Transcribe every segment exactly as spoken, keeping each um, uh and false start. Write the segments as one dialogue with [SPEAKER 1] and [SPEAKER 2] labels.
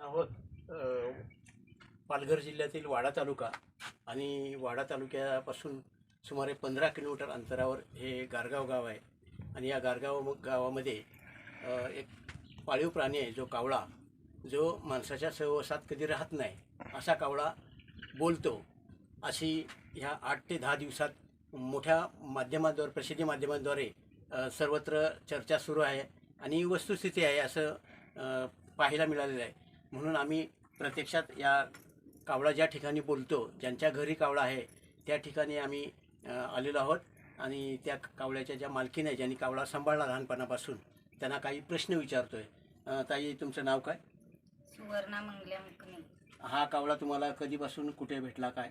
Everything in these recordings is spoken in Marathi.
[SPEAKER 1] आहोत अ, पालघर जिल्ह्यातील वाडा तालुका आणि वाडा तालुक्यापासून सुमारे पंधरा किलोमीटर अंतरावर हे गारगाव गाव आहे. आणि या गारगाव गावामध्ये अ, एक पाळीव प्राणी आहे जो कावळा, जो माणसाच्या सहवासात कधी राहत नाही. असा कावळा बोलतो. अशी ह्या आठ ते दहा दिवसात मोठ्या माध्यमांद्वारे, प्रसिद्धी माध्यमांद्वारे अ, सर्वत्र चर्चा सुरू आहे आणि वस्तुस्थिती आहे असं अ, पाहायला मिळालेलं आहे. म्हणून आम्ही प्रत्यक्षात या कावळा ज्या ठिकाणी बोलतो, ज्यांच्या घरी कावळा आहे त्या ठिकाणी आम्ही अ, आलेलो आहोत. आणि त्या कावळ्याच्या ज्या मालकीण आहे, ज्यांनी कावळा सांभाळला लहानपणापासून, त्यांना काही प्रश्न विचारतोय. अ, ताई, तुमचं नाव काय?
[SPEAKER 2] सुवर्णा मंगल्या मुकणे.
[SPEAKER 1] हा कावळा तुम्हाला कधीपासून कुठे भेटला, काय?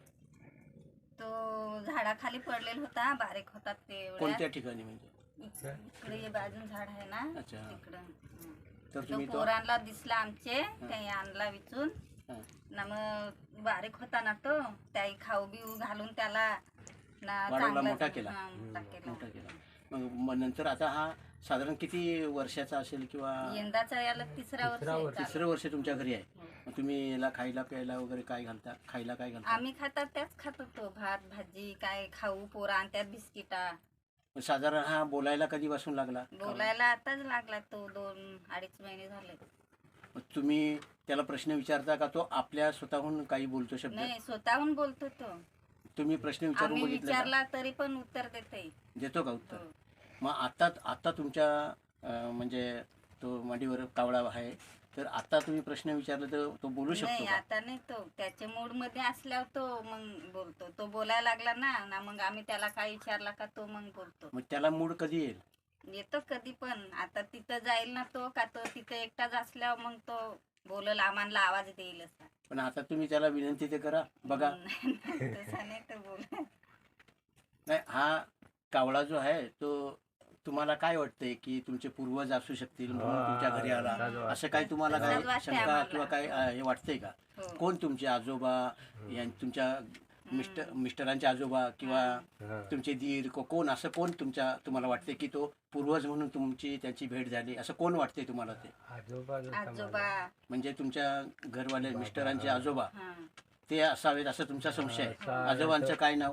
[SPEAKER 2] तो झाडाखाली पडलेला होता, बारीक होता ते एवढ्या.
[SPEAKER 1] कोणत्या ठिकाणी म्हणजे?
[SPEAKER 2] इकडे हे बाजून झाड आहे ना,
[SPEAKER 1] अच्छा.
[SPEAKER 2] तिकडं.
[SPEAKER 1] तर
[SPEAKER 2] तो
[SPEAKER 1] तुम्ही तो
[SPEAKER 2] पोरांना दिसला आमचे, त्याही आणला विचून.
[SPEAKER 1] हां.
[SPEAKER 2] ना मग बारीक होता ना तो, त्याही खाऊ बिऊ घालून त्याला ना
[SPEAKER 1] वाढवला,
[SPEAKER 2] चांगला
[SPEAKER 1] मोठा केला.
[SPEAKER 2] हां, मोठा केला.
[SPEAKER 1] मोठा केला. मग मग नंतर आता हा साधारण किती वर्षाचा असेल, किंवा
[SPEAKER 2] यंदाचा याला तिसरा वर्ष आहे चालू.
[SPEAKER 1] तिसरं वर्ष तुमच्या घरी आहे? मग तुम्ही याला खायला प्यायला वगैरे काय घालता? खायला काय घालता?
[SPEAKER 2] आम्ही खातात त्याच खात होतो, भात भाजी काय खाऊ, पोरा आणि त्यात बिस्किटा.
[SPEAKER 1] मग साधारण हा बोलायला कधीपासून लागला?
[SPEAKER 2] बोलायला आताच लागला तो, दोन अडीच महिने झाले.
[SPEAKER 1] मग तुम्ही त्याला प्रश्न विचारता का? तो आपल्या स्वतःहून काही बोलतो शब्द?
[SPEAKER 2] नाही, स्वतःहून बोलतो तो.
[SPEAKER 1] तुम्ही प्रश्न विचारून
[SPEAKER 2] आम्ही
[SPEAKER 1] बघितले का?
[SPEAKER 2] विचारला तरी पण उत्तर देते.
[SPEAKER 1] देतो का उत्तर?
[SPEAKER 2] हो.
[SPEAKER 1] मग आता आता तुमच्या अं, म्हणजे तो मांडीवर कावळा आहे, तर आता तुम्ही प्रश्न विचारला तर तो बोलू शकतो
[SPEAKER 2] नाही,
[SPEAKER 1] का?
[SPEAKER 2] आता नाही. तो त्याच्या मूड मध्ये असल्यावर तो मग बोलतो. तो बोलायला लागला ना ना मग आम्ही त्याला काय विचारला का तो मग बोलतो.
[SPEAKER 1] मग त्याला मूड कधी येईल?
[SPEAKER 2] येतो कधी पण. आता तिथं जाईल ना तो, का तो तिथं एकटाच असल्यावर मग तो बोलल, आम्हाला आवाज देईल असा.
[SPEAKER 1] पण आता तुम्ही त्याला विनंती ते करा, बघा.
[SPEAKER 2] तसा नाही तर बोल.
[SPEAKER 1] नाही, हा कावळा जो आहे तो तुम्हाला काय वाटतंय की तुमचे पूर्वज असू शकतील म्हणून तुमच्या घरी आला, असं काही तुम्हाला
[SPEAKER 2] तसंच
[SPEAKER 1] काय
[SPEAKER 2] वाटतंय
[SPEAKER 1] शंका
[SPEAKER 2] आम्हाला.
[SPEAKER 1] किंवा काय अं, हे वाटतंय का?
[SPEAKER 2] हो.
[SPEAKER 1] कोण तुमचे आजोबा, यां- तुमच्या मिस्टर मिस्टरांचे आजोबा किंवा तुमचे दीर, को- कोण असं कोण तुमच्या तुम्हाला वाटते की तो पूर्वज म्हणून तुमची त्याची भेट झाली, असं कोण वाटते तुम्हाला? ते
[SPEAKER 2] आजोबा.
[SPEAKER 1] म्हणजे तुमच्या घरवाले मिस्टरांचे आजोबा
[SPEAKER 2] हा.
[SPEAKER 1] ते असावेत असं तुमचा संशय आहे?
[SPEAKER 2] हा.
[SPEAKER 1] आजोबांचं काय नाव?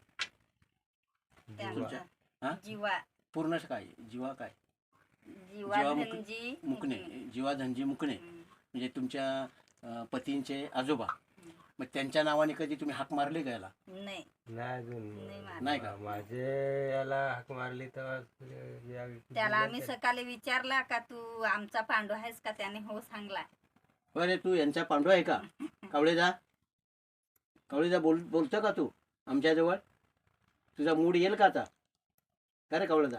[SPEAKER 2] त्यांचा
[SPEAKER 1] हा?
[SPEAKER 2] जीवा
[SPEAKER 1] पूर्ण काय? जीवा काय?
[SPEAKER 2] जीवा
[SPEAKER 1] जीवा मुक-
[SPEAKER 2] धनजी
[SPEAKER 1] मुकणे. जीवा धनजी मुकणे.
[SPEAKER 2] हम्म.
[SPEAKER 1] म्हणजे तुमच्या अं, पतींचे आजोबा. मग त्यांच्या नावाने कधी तुम्ही हाक मारली का याला?
[SPEAKER 2] नाही,
[SPEAKER 3] नाही अजून
[SPEAKER 2] नाही मारत.
[SPEAKER 1] नाही का?
[SPEAKER 3] माझे याला हाक मारली तर
[SPEAKER 2] त्याला आम्ही सकाळी विचारला का तू आमचा पांडू आहेस का, त्याने हो सांगला.
[SPEAKER 1] बरे, तू यांचा पांडू आहे का? कावळेजा, कावळेजा बोल बोलतो का तू आमच्याजवळ? तुझा मूड येईल का आता? का रे कावळेजा?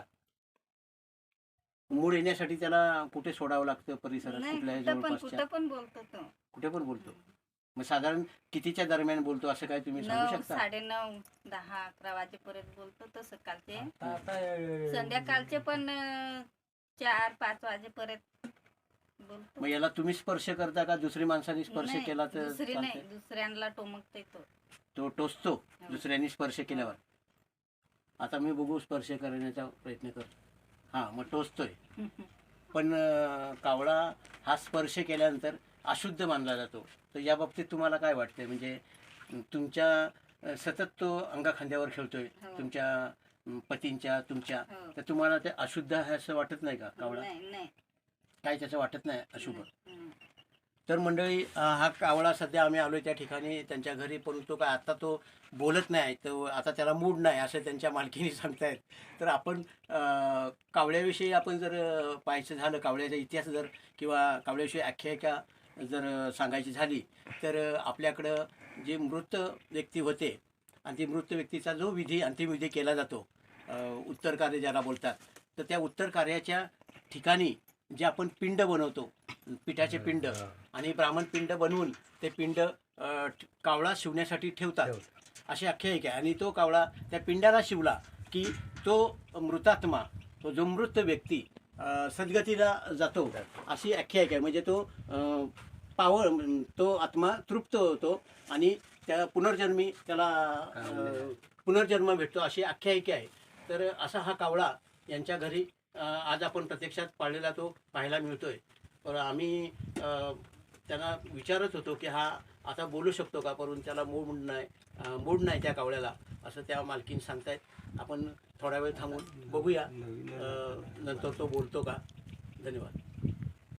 [SPEAKER 1] मूड येण्यासाठी त्याला कुठे सोडावं लागतं परिसरात?
[SPEAKER 2] नाही,
[SPEAKER 1] कुठल्या
[SPEAKER 2] कुठं पण
[SPEAKER 1] जवळपासच्या?
[SPEAKER 2] कुठं पण बोलतो तो.
[SPEAKER 1] कुठे पण बोलतो? मग साधारण कितीच्या दरम्यान बोलतो असं काय तुम्ही सांगू
[SPEAKER 2] नऊ
[SPEAKER 1] शकता?
[SPEAKER 2] साडे नऊ दहा अकरा वाजेपर्यंत बोलतो तो. सकाळचे संध्याकाळचे पण अं, चार पाच वाजेपर्यंत बोलतो.
[SPEAKER 1] मग याला तुम्ही स्पर्श करता का दुसरी माणसांनी स्पर्श
[SPEAKER 2] नाही,
[SPEAKER 1] केला तर
[SPEAKER 2] दुसरी
[SPEAKER 1] चालतंय?
[SPEAKER 2] नाही, दुसऱ्यांना टोमकते तो.
[SPEAKER 1] तो टोचतो दुसऱ्यांनी स्पर्श केल्यावर? आता मी बघू, स्पर्श करण्याचा प्रयत्न कर. हा, मग टोचतोय. पण अं, कावळा हा स्पर्श केल्यानंतर अशुद्ध मानला जातो. तर या बाबतीत तुम्हाला काय वाटतंय? म्हणजे अं, तुमच्या अं, सतत तो अंगाखांद्यावर खेळतोय,
[SPEAKER 2] हो.
[SPEAKER 1] तुमच्या अं, पतींच्या, तुमच्या.
[SPEAKER 2] हो.
[SPEAKER 1] तर तुम्हाला ते अशुद्ध आहे असं वाटत नाही का कावळा?
[SPEAKER 2] नाही नाही
[SPEAKER 1] काय त्याचं वाटत नाही अशुभ?
[SPEAKER 2] हम्म.
[SPEAKER 1] तर मंडळी, अं, हा कावळा सध्या आम्ही आलोय त्या ठिकाणी त्यांच्या घरी, परंतु काय आता तो बोलत नाही, तो आता त्याला मूड नाही असं त्यांच्या मालकीने सांगतायत. तर आपण अं, कावळ्याविषयी आपण जर अं, पाहायचं झालं, कावळ्याचा इतिहास जर किंवा कावळ्याविषयी आख्यायिका जर अं, सांगायची झाली, तर अं, आपल्याकडं जे मृत व्यक्ती होते आणि ती मृत व्यक्तीचा जो विधी, अंतिम विधी केला जातो, अं, उत्तर कार्य ज्याला बोलतात, तर त्या उत्तर कार्याच्या ठिकाणी जे आपण पिंड बनवतो, पिठाचे पिंड, आणि ब्राह्मण पिंड बनवून ते पिंड अं, कावळा शिवण्यासाठी ठेवतात अशी आख्यायिका आहे. आणि तो कावळा त्या पिंडाला शिवला की तो मृतात्मा, तो जो मृत व्यक्ती अं, सद्गतीला जातो अशी आख्यायिका आहे. म्हणजे तो अं, पावळ, तो आत्मा तृप्त होतो आणि त्या पुनर्जन्मी त्याला अं, पुनर्जन्म भेटतो अशी आख्यायिका आहे. तर असा हा कावळा यांच्या घरी अं, आज आपण प्रत्यक्षात पाळलेला तो पाहायला मिळतोय. तर आम्ही अं, त्यांना विचारत होतो की हा आता बोलू शकतो का, परंतु त्याला मूड नाही अं, मूड नाही त्या कावळ्याला, असं त्या मालकीन सांगतायत. आपण थोडा वेळ थांबून बघूया
[SPEAKER 3] नवीन
[SPEAKER 1] अं, नंतर तो बोलतो का. धन्यवाद.